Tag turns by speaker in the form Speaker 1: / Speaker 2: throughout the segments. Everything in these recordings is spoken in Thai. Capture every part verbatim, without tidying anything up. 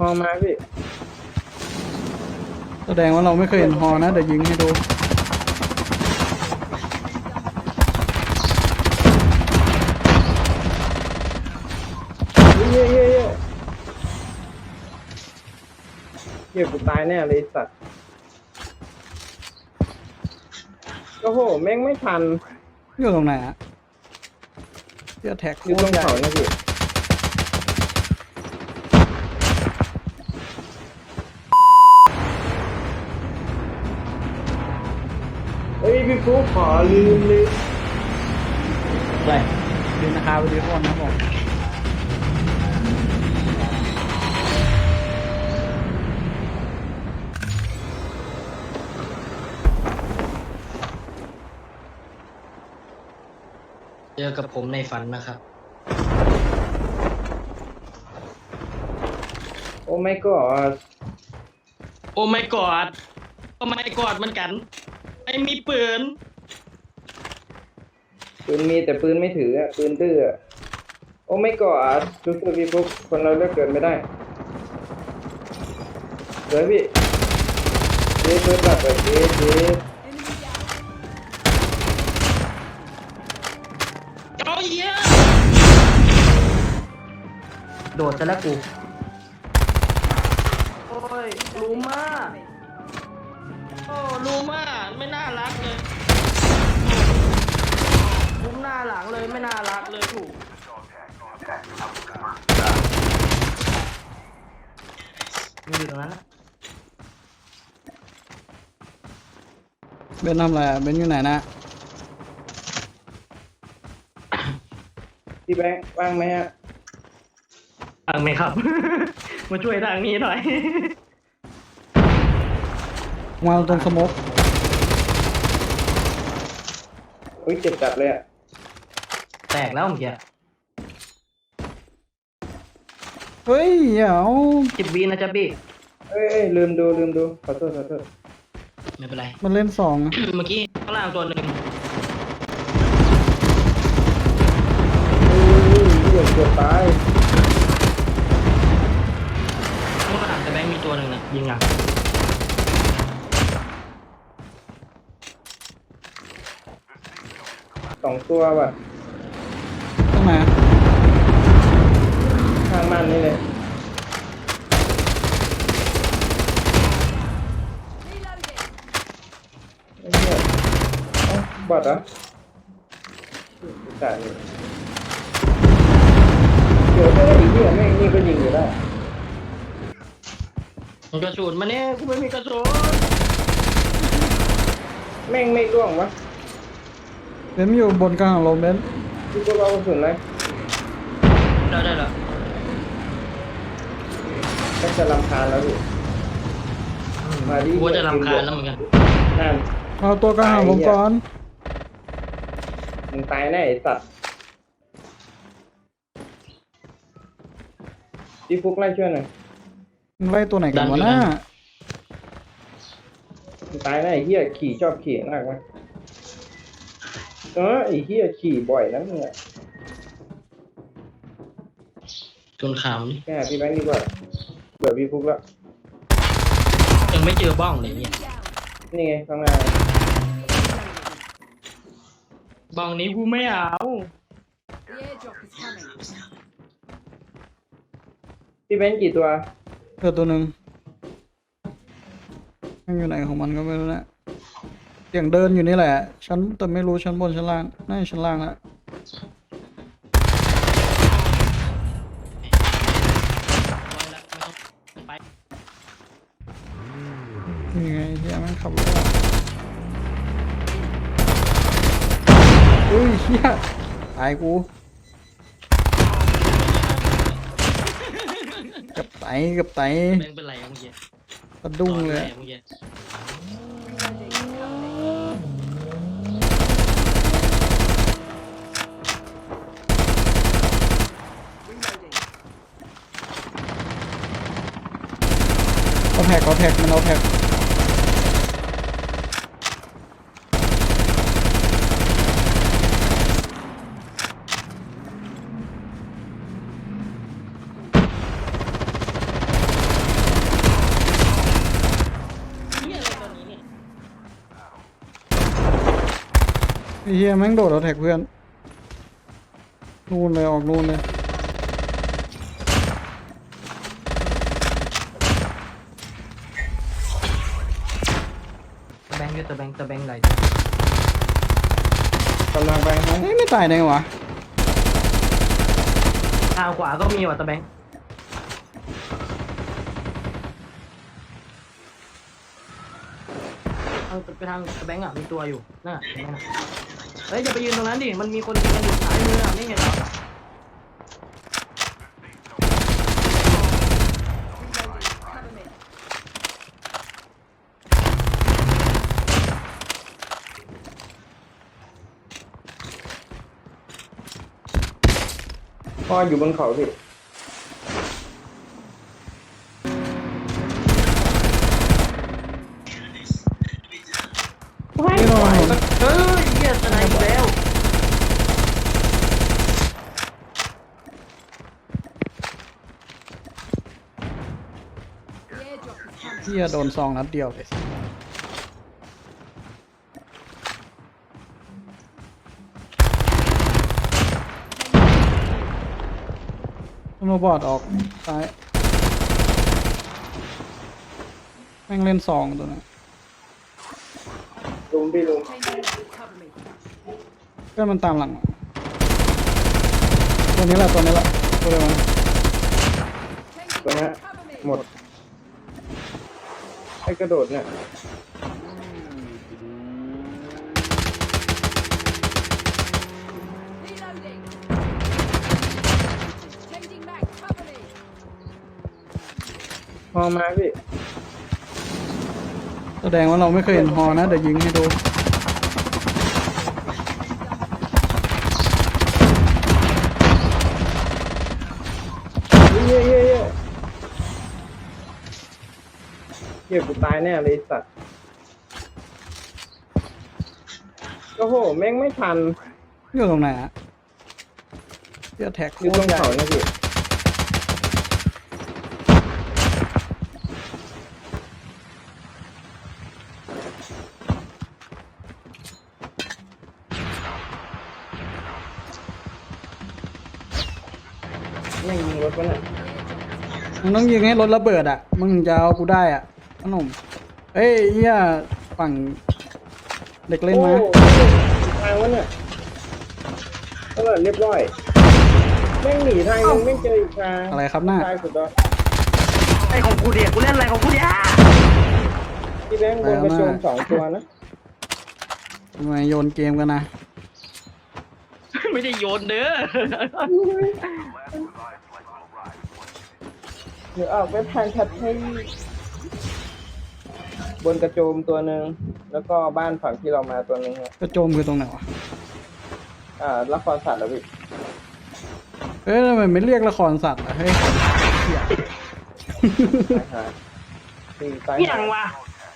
Speaker 1: อมาพี่
Speaker 2: แสดงว่าเราไม่เคยเห็นฮอนะเดี๋ยวยิงให้ดู
Speaker 1: เย้เย้เย้เย้กูตายแน่เลยสัตว์โอ้โหแม่งไม่ทัน
Speaker 2: อยู่ตรงไหนอะเสื้อแท็ก
Speaker 1: อยู่ตรงเขาเนี่ยพี่เฮ้ยพี่ฟุ๊กขอลืมลืม
Speaker 2: ไปดูนะครับวิดีโอนะครับผม
Speaker 3: เจอกับผมในฝันนะครับ
Speaker 1: โอ้ไม่ก็
Speaker 3: โอ้ไม่กอดโอ้ไม่กอดเหมือนกันไม่มีปืน
Speaker 1: ปืนมีแต่ปืนไม่ถืออะปืนดื้ออะโอ้ไม่ก็สู้ๆพี่ฟุ๊กคนเราเลือกเกิดไม่ได้เดี๋ยวพี่เจ๊เปิดบัตรแบบเจ๊เจ๊
Speaker 3: เอาเหี้ยโดดจะแล้วกูโอ้ยลูมาโอ้ลูมาไม่น่ารักเลยมุมหน้าหลังเลยไม่น่ารักเลยถูกมันอยู่ตรงนั้นนะ
Speaker 2: เบนทำอะไรอะเบนอยู่ไหนนะ
Speaker 1: พี่แบงค์ว่างไหมฮะ
Speaker 3: ทางไหมครับ มาช่วยทางนี้หน่อย
Speaker 2: วางตรงสโมก
Speaker 1: อุ้ยเจ็บจัดเลยอ่ะ
Speaker 3: แตกแล้วเมื่อกี้
Speaker 2: เฮ้ยเดี๋ยว
Speaker 3: สิบวีนะจ๊ะพี่
Speaker 1: เอ้ยเอ้ยลืมดูลืมดูขอโทษขอโทษ
Speaker 3: ไม่เป็นไร
Speaker 2: มันเล่นสอง
Speaker 3: เมื่อกี้ข้างล่างตัวหนึ่ง
Speaker 1: อุ้ยเกือบเกือบตาย
Speaker 3: ข้างล่างแต่แบงค์มีตัวหนึ่งนะยิงอ่ะ
Speaker 1: สองตัวว่ะ
Speaker 2: ตรงไหน
Speaker 1: ข้างมันนี่เลยไอ้เหี้ยเอ้าบอดเหรอจ่ายเลยเดี๋ยวถ้าไอ้เหี้ยแม่งนี่ก็ยิงอยู่ได้
Speaker 3: มันกระสุนมาเนี่ยกูไม่มีกระสุน
Speaker 1: แม่งไม่ร่วงวะ
Speaker 2: เบนอยู่บนกลางของลมเบน
Speaker 1: พี่ก็เอากระสุนเลย
Speaker 3: ได้ได้แล้ว
Speaker 1: ก็จะรำคาญแล้วพี่มาดิ
Speaker 3: กูจะรำคาญแล้วเหมือนกัน
Speaker 1: นั่น
Speaker 2: เอาตัวกลางของผมก่อน
Speaker 1: มึงตายแน่ไอ้สัตว์พี่ฟุกไล่ช่วยหน่อย
Speaker 2: มันไล่ตัวไหนกันวะน่า
Speaker 1: มึงตายแน่ไอ้เหี้ยขี่ชอบขี่มากไหมเออไอ้เหี้ยขี่บ่อยนะมึงอะ
Speaker 3: จนขำนี่
Speaker 1: แค่พี่แบงค์ดีกว่าเบื่อพี่ฟุกแล้ว
Speaker 3: ยังไม่เจอบ้องเลยเนี่ย
Speaker 1: นี่ไงข้างหน้า
Speaker 3: บ้องนี้กูไม่เอา
Speaker 4: The airdrop is coming.
Speaker 1: พี่แบงค์กี่ตัว
Speaker 2: เจอตัวหนึ่งมันอยู่ไหนของมันก็ไม่รู้นะเสียงเดินอยู่นี่แหละชั้นแต่ไม่รู้ชั้นบนชั้นล่างน่าจะชั้นล่างละนี่ไงเฮียแม่งขับรถอะอุ้ยเฮียตายกูกับไตกับไต
Speaker 3: แบงค์เป็นไรอะเมื่อกี้
Speaker 2: สะดุ้งเลย
Speaker 3: นอน
Speaker 2: อะ
Speaker 3: เมื่อกี้
Speaker 2: เอาแท็กเอาแท็กมันเอาแท็กไอ้เฮียแม่งโดดเอาแท็กเพื่อนนู่นเลยออกนู่นเลย
Speaker 5: ตะแบงค์อยู่ตะแบงค์ตะแบงค์ไหล
Speaker 1: กำลังไปให้
Speaker 2: เฮ้ยไม่ตายได้ไงวะ
Speaker 5: ทางขวาก็มีว่ะตะแบงค์ทางไปทางตะแบงค์อ่ะมีตัวอยู่น่ะเห็นไหมน่ะเฮ้ยอย่าไปยืนตรงนั้นดิมันมีคนยืนกันอยู่ซ้ายมืออ่ะไม่เห็นเหรอ
Speaker 4: Cover me.
Speaker 1: พ่ออยู่บนเขาพี่
Speaker 2: ไม่รอด
Speaker 5: เฮ้ยเหี้ยสไนด์อีกแล้ว
Speaker 4: The airdrop is coming.
Speaker 2: เฮียโดนซองนัดเดียวเลยโรบอทออกซ้ายแม่งเล่นซองตัวนั้น
Speaker 1: ลุงพี่ลุง
Speaker 4: Changing back. Cover me.
Speaker 2: เพื่อนมันตามหลังมาตัวนี้แหละตัวนี้แหละตัวเดียวกัน
Speaker 4: Changing
Speaker 1: ตัวนี้
Speaker 4: back. Cover me.
Speaker 1: หมดไอ้กระโดดเนี่ย
Speaker 4: Reloading. Changing back. Cover me.
Speaker 1: พอมาพี่
Speaker 2: แสดงว่าเราไม่เคยเห็นฮอนะเดี๋ยวยิงให้ดู
Speaker 1: เย้เย้เย้เย้กูตายแน่เลยไอ้สัตว์โอ้โหแม่งไม่ทัน
Speaker 2: อยู่ตรงไหนอะเดี๋ยวแท็ก
Speaker 1: อยู่ตรงเขาเนี่ยพี่แม่งยิงรถวะเนี่ย
Speaker 2: มึงต้องยิงให้รถระเบิดอ่ะมึงถึงจะเอากูได้อ่ะขนมเอ้ยเฮียฝั่งเด็กเล่นมา
Speaker 1: โอ้ทางวะเนี่ยก็เลยเรียบร้อยแม่งหนีทางนึงไม่เจออีกทาง
Speaker 2: อะไรครับหน้า
Speaker 1: ทางสุดยอด
Speaker 5: ไอ้ของกูเดียกูเล่นอะไรของกูเดีย
Speaker 1: พี่แบงค์บนกระโจมสองตัวนะ
Speaker 2: ทำไมโยนเกมกันนะ
Speaker 3: ไม่ได้โยนเด้อ
Speaker 1: เดี๋ยวออกไปทางชัดให้บนกระโจมตัวหนึ่งแล้วก็บ้านฝั่งที่เรามาตัวหนึ่งครับ
Speaker 2: กระโจมคือตรงไหนวะ
Speaker 1: อ่าละครสัตว์แล้วพี่
Speaker 2: เอ้ยทำไมไม่เรียกละครสัตว์อะเฮ้ยเหี้ย
Speaker 1: ตายหาสี่ตาย
Speaker 5: เหี้ย
Speaker 1: หาง
Speaker 5: วะ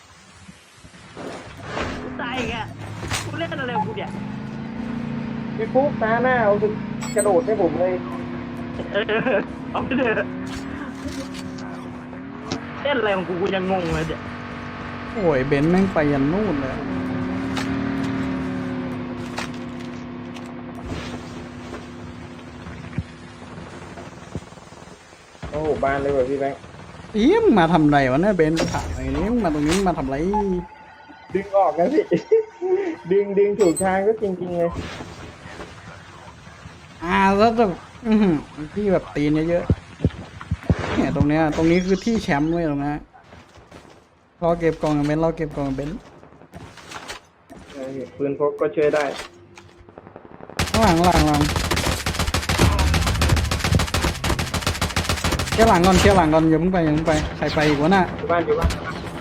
Speaker 5: กูตายอีกอ่ะกูเล่นอะไรของกูเดีย
Speaker 1: พี่ฟุ๊กตาหน้าเอาสิกระโดดให้ผมเลย
Speaker 5: เออเอาไปเถอะเล่นอะไรของกูกูยังงงเลยเดี๋ยว
Speaker 2: โอ้ยเบนซ์แม่งไปยันนู่นเลย
Speaker 1: โอ้โหบ้านเลยว่ะพี่แบงค์
Speaker 2: อีมึงมาทำไรวะเนี่ยเบนซ์กูถามไอ้นี้มึงมาตรงนี้มึงมาทำไร
Speaker 1: ดึงออกนะพี่ ดึงดึงถูกทางก็จริงๆเลย
Speaker 2: อ่าแล้วแบบอื้อหือที่แบบตีนเยอะๆเนี่ยตรงเนี้ยตรงนี้คือที่แชมป์เว้ยตรงนี้รอเก็บกล่องกับเบนซ์รอเก็บกล่องกับเบนซ์
Speaker 1: ใช่พี่ปืนพกก็ช่วยได้
Speaker 2: ข้างหลังข้างหลังข้างหลังเคลียร์หลังก่อนเคลียร์หลังก่อนอย่าเพิ่งไปอย่าเพิ่งไปใครไปอีกวะน่ะ
Speaker 1: อยู่บ้านอยู่บ้าน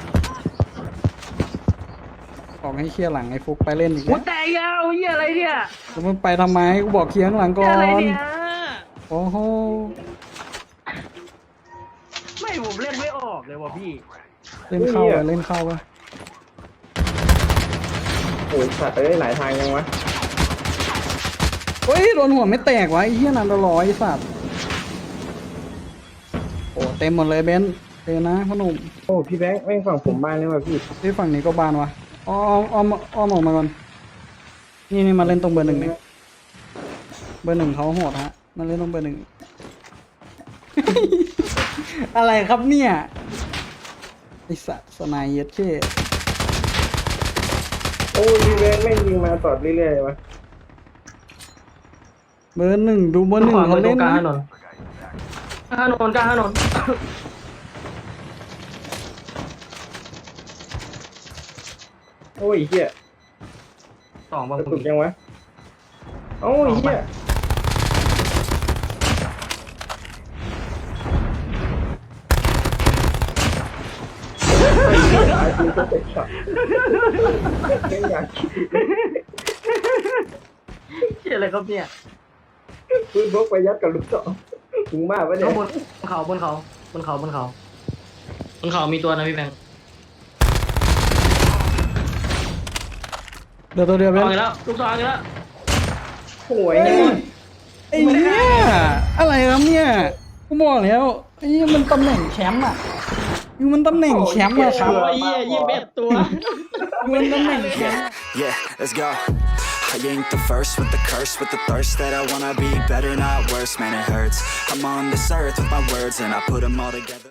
Speaker 2: บอกให้เคลียร์หลังไอ้ฟุกไปเล่นอีก
Speaker 5: กู
Speaker 2: แล้ว
Speaker 5: แตกแล้วเหี้ยอะไรเนี่ย
Speaker 2: แล้วมึงไปทำไมกูบอกเคลียร์ข้างหลังก่อ
Speaker 5: เหี้ยอะไร
Speaker 2: น
Speaker 5: เนี่ย
Speaker 2: โอ้โห
Speaker 5: ไม่ผมเล่นไม่ออกเลยว่ะพี่
Speaker 2: เล่นเข้าไปเล่นเข้าไป
Speaker 1: โอ้ยสัตว์ไปได้หลายทางยังวะ
Speaker 2: เฮ้ยโดนหัวไม่แตกวะไอ้เหี้ยนันตะลอยไอ้สัตว์โอ้เต็มหมดเลยเบนซ์เต็มนะพ่อหนุ่ม
Speaker 1: โอ้พี่แบงค์แม่งฝั่งผมบ้านเลยว่ะพี่
Speaker 2: ที่ฝั่งนี้ก็บานวะอ้อมอ้อมอ้อมออกมาก่อนนี่นี่มาเล่นตรงเบอร์หนึ่งเนี่ยเบอร์หนึ่งเขาโหดฮะมาเล่นตรงเบอร์หนึ่ง อะไรครับเนี่ยไอสัตว์สไนเย็ดเช่
Speaker 1: โอ้ยรีเวนไม่งยิงมาตอดเรื่อยๆวะ
Speaker 2: เบอร์หนึ่งดูเบอร์หนึ่ง
Speaker 5: ขวามื
Speaker 2: เขา
Speaker 5: อตร
Speaker 2: เล่
Speaker 5: ง
Speaker 2: น
Speaker 5: กลางถ
Speaker 2: นะ
Speaker 5: นนกลางถนนกลางถนน
Speaker 1: โอ้ยเหี้ย
Speaker 5: สองบาง
Speaker 1: กระ
Speaker 5: ค
Speaker 1: ตุ
Speaker 5: น
Speaker 1: กยังวะโอ้ยเหี้ยไอ้เหี้ยไอ้ปืนก็เตะช็อตไม่อยากคิด
Speaker 5: เชี่ยอะไรครับเนี่ย
Speaker 1: ปืนพกไปยัดกับลูกศรถึงบ้าปะเนี่
Speaker 5: ข้าย งบนเขาบนเขาบนเขาบนเขา
Speaker 3: บนเขามีตัวนะพี่แบงค์
Speaker 2: เดี๋ยวตัวเดียว
Speaker 3: เอา
Speaker 2: เป็น
Speaker 3: อีกแล้วลูกซองอีกแล้ว
Speaker 1: โอ้ย
Speaker 2: เอ้
Speaker 1: เนี่ย
Speaker 2: ยไอ้เนี่ยอะไรครับเนี่ยกูบอกแล้วไอ้นี่มันตำแหน่งแชมป์อ่ะอยู่มันตำแหน่งแชมป์อะครับ
Speaker 3: โอ้ยเหี้ยยี่สิบเอ็ดตัว
Speaker 2: อยู่มันตำแหน่งแชมป์
Speaker 6: Yeah, let's go. I ain't the first with the curse, with the thirst that I wanna be better, not worse. Man, it hurts. I'm on this earth with my words, and I put them all together.